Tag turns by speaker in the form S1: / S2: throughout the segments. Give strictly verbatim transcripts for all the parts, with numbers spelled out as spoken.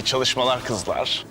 S1: İyi çalışmalar kızlar.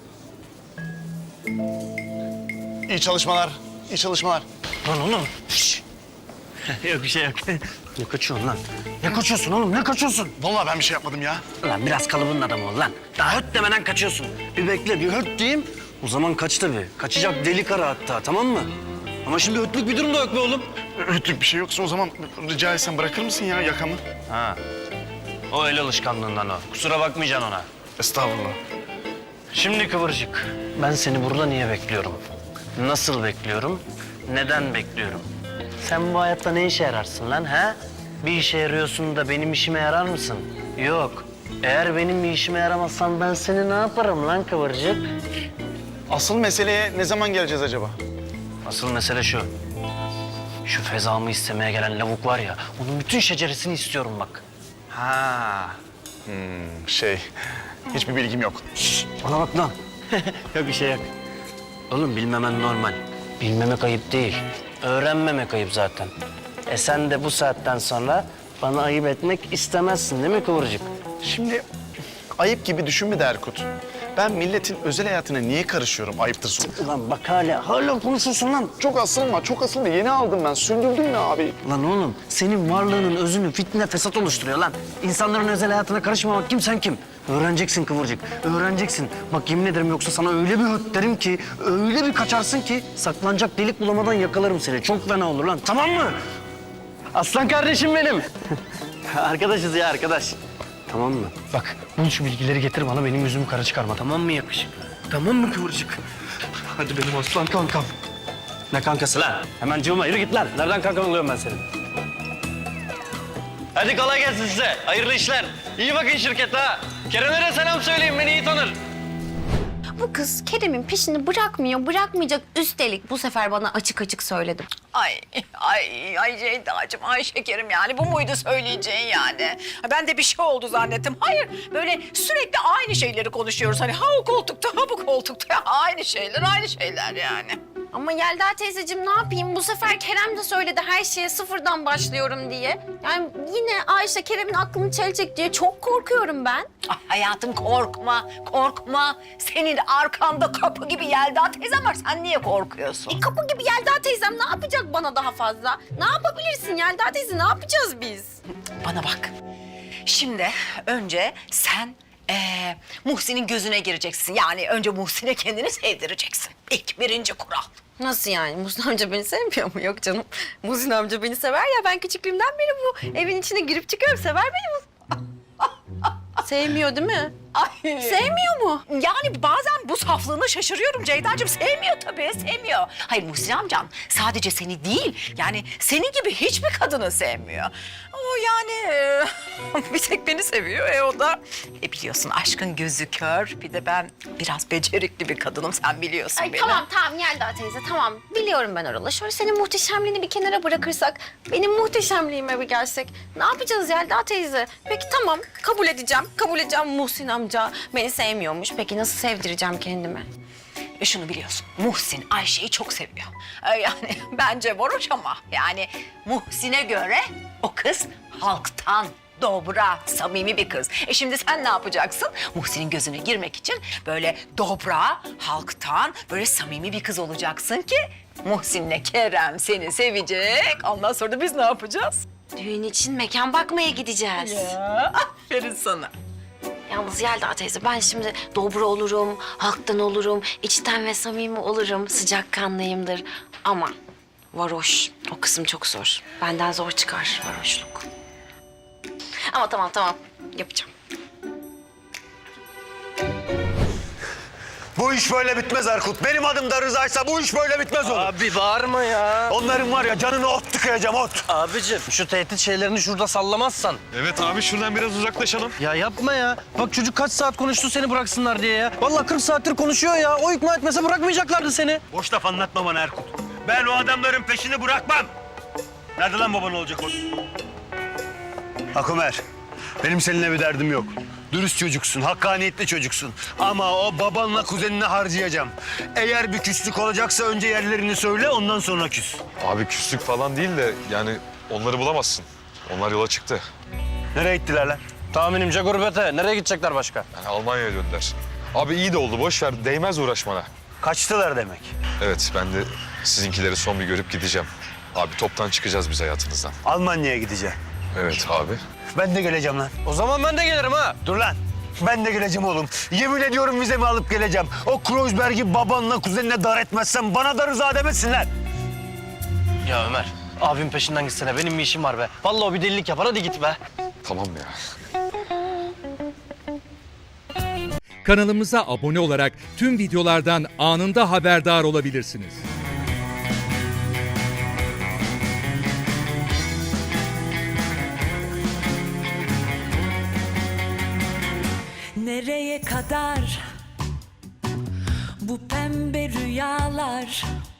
S1: İyi çalışmalar, iyi çalışmalar.
S2: Lan oğlum. Şş. Yok bir şey yok. Ne kaçıyorsun lan? Ne kaçıyorsun oğlum? Ne kaçıyorsun?
S1: Vallahi ben bir şey yapmadım ya.
S2: Lan biraz kalıbının adamı ol lan. Daha höt demeden kaçıyorsun. Bir bekle, bir höt diyeyim. O zaman kaç tabii. Kaçacak deli kara hatta, tamam mı? Ama şimdi hötlük bir durum da yok be oğlum.
S1: Ötük bir şey yoksa o zaman rica etsem bırakır mısın ya yakamı?
S2: Ha. O el alışkanlığından o. Kusura bakmayacaksın ona.
S1: Estağfurullah.
S2: Şimdi Kıvırcık, ben seni burada niye bekliyorum? Nasıl bekliyorum? Neden bekliyorum? Sen bu hayatta ne işe yararsın lan ha? Bir işe yarıyorsun da benim işime yarar mısın? Yok. Eğer benim bir işime yaramazsan ben seni ne yaparım lan Kıvırcık?
S1: Asıl meseleye ne zaman geleceğiz acaba?
S2: Asıl mesele şu. Şu fezamı istemeye gelen lavuk var ya, onun bütün şeceresini istiyorum bak.
S1: Ha. Hmm, şey, hiçbir bilgim yok.
S2: Bana bak lan. Yok bir şey yok. Oğlum bilmemen normal. Bilmemek ayıp değil. Öğrenmemek ayıp zaten. E sen de bu saatten sonra bana ayıp etmek istemezsin değil mi Kıvırcık?
S1: Şimdi ayıp gibi düşünme de Erkut. Ben milletin özel hayatına niye karışıyorum ayıptır sonra.
S2: Ulan bak hala, hala konuşuyorsun lan.
S1: Çok asılma, çok asılma. Yeni aldım ben. Sündürdüm ya abi.
S2: Lan oğlum senin varlığının özünü fitne fesat oluşturuyor lan. İnsanların özel hayatına karışmamak kim sen kim? Öğreneceksin Kıvırcık, öğreneceksin. Bak yemin ederim yoksa sana öyle bir höt derim ki, öyle bir kaçarsın ki saklanacak delik bulamadan yakalarım seni. Çok fena olur lan, tamam mı? Aslan kardeşim benim. Arkadaşız ya arkadaş. Tamam mı? Bak bul şu bilgileri getir bana, benim yüzümü kara çıkarma, tamam mı yakışık? Tamam mı Kıvırcık? Hadi benim aslan kankam. Ne kankası lan? Hemen cıvıma yürü git lan. Nereden kankan oluyorum ben senin? Hadi kolay gelsin size. Hayırlı işler. İyi bakın şirkete ha. Kerem'e de selam söyleyin, beni iyi tanır.
S3: Bu kız Kerem'in peşini bırakmıyor, bırakmayacak. Üstelik bu sefer bana açık açık söyledim.
S4: Ay, ay, ay Ceyda'cığım, ay şekerim yani. Bu muydu söyleyeceğin yani? Ha, ben de bir şey oldu zannettim. Hayır, böyle sürekli aynı şeyleri konuşuyoruz. Hani ha o koltukta, ha bu koltukta. Aynı şeyler, aynı şeyler yani.
S3: Ama Yelda teyzeciğim ne yapayım? Bu sefer Kerem de söyledi her şeye sıfırdan başlıyorum diye. Yani yine Ayşe Kerem'in aklını çelecek diye çok korkuyorum ben.
S4: Ay, hayatım korkma, korkma. Senin arkanda kapı gibi Yelda teyzem var. Sen niye korkuyorsun?
S3: E kapı gibi Yelda teyzem ne yapacak bana daha fazla? Ne yapabilirsin Yelda teyze? Ne yapacağız biz?
S4: Bana bak. Şimdi önce sen ee, Muhsin'in gözüne gireceksin. Yani önce Muhsin'e kendini sevdireceksin. İlk birinci kural.
S3: Nasıl yani? Muhsin amca beni sevmiyor mu? Yok canım. Muhsin amca beni sever ya. Ben küçüklüğümden beri bu evin içine girip çıkıyorum. Sever beni bu. Sevmiyor değil mi?
S4: Ay.
S3: Sevmiyor mu?
S4: Yani bazen bu saflığına şaşırıyorum Ceyda'cığım. Sevmiyor tabii, sevmiyor. Hayır Muhsin amcan sadece seni değil, yani senin gibi hiçbir kadını sevmiyor. O yani e, bir tek beni seviyor. E o da e, biliyorsun aşkın gözü kör. Bir de ben biraz becerikli bir kadınım, sen biliyorsun
S3: Ay
S4: beni.
S3: tamam tamam Yelda teyze tamam. Biliyorum ben oralı. Şöyle senin muhteşemliğini bir kenara bırakırsak, benim muhteşemliğime bir gelsek. Ne yapacağız Yelda teyze? Peki tamam kabul edeceğim. Kabul edeceğim Muhsin amca beni sevmiyormuş. Peki nasıl sevdireceğim kendimi?
S4: E şunu biliyorsun, Muhsin Ayşe'yi çok seviyor. E, yani bence varoş ama yani Muhsin'e göre o kız halktan, dobra, samimi bir kız. E şimdi sen ne yapacaksın? Muhsin'in gözüne girmek için böyle dobra, halktan, böyle samimi bir kız olacaksın ki Muhsin'le Kerem seni sevecek. Ondan sonra da biz ne yapacağız?
S3: Düğün için mekan bakmaya gideceğiz.
S4: Ya, aferin sana.
S3: Yalnız Yelda teyze ben şimdi dobra olurum, halktan olurum, içten ve samimi olurum, sıcakkanlıyımdır. Ama varoş, o kısım çok zor. Benden zor çıkar varoşluk. Ama tamam tamam, yapacağım.
S5: Bu iş böyle bitmez Erkut. Benim adım da Rıza'ysa bu iş böyle bitmez oğlum.
S2: Abi bağırma ya.
S5: Onların var ya canını ot tıkayacağım ot.
S2: Abicim şu tehdit şeylerini şurada sallamazsan.
S6: Evet abi şuradan biraz uzaklaşalım.
S2: Ya yapma ya. Bak çocuk kaç saat konuştu seni bıraksınlar diye ya. Vallahi kırk saattir konuşuyor ya. O ikna etmese bırakmayacaklardı seni.
S5: Boş laf anlatma bana Erkut. Ben o adamların peşini bırakmam. Nerede lan baban olacak o? Akumer, benim seninle bir derdim yok. Dürüst çocuksun, hakkaniyetli çocuksun. Ama o babanla kuzenini harcayacağım. Eğer bir küslük olacaksa önce yerlerini söyle, ondan sonra küs.
S6: Abi küslük falan değil de yani onları bulamazsın. Onlar yola çıktı.
S5: Nereye gittiler lan?
S2: Tahminimce gurbete. Nereye gidecekler başka?
S6: Yani Almanya'ya döndüler. Abi iyi de oldu, boş ver. Değmez uğraşmana.
S5: Kaçtılar demek.
S6: Evet, ben de sizinkileri son bir görüp gideceğim. Abi toptan çıkacağız biz hayatınızdan.
S5: Almanya'ya gideceğim.
S6: Evet abi.
S5: Ben de geleceğim lan.
S2: O zaman ben de gelirim ha.
S5: Dur lan. Ben de geleceğim oğlum. Yemin ediyorum vizemi alıp geleceğim. O Kreuzberg'i babanla kuzenine dar etmezsen bana da rıza demesinler.
S2: Ya Ömer, abim peşinden gitsene. Benim bir işim var be. Vallahi o bir delilik yapar. Hadi git be.
S6: Tamam ya.
S7: Kanalımıza abone olarak tüm videolardan anında haberdar olabilirsiniz.
S8: Nereye kadar bu pembe rüyalar?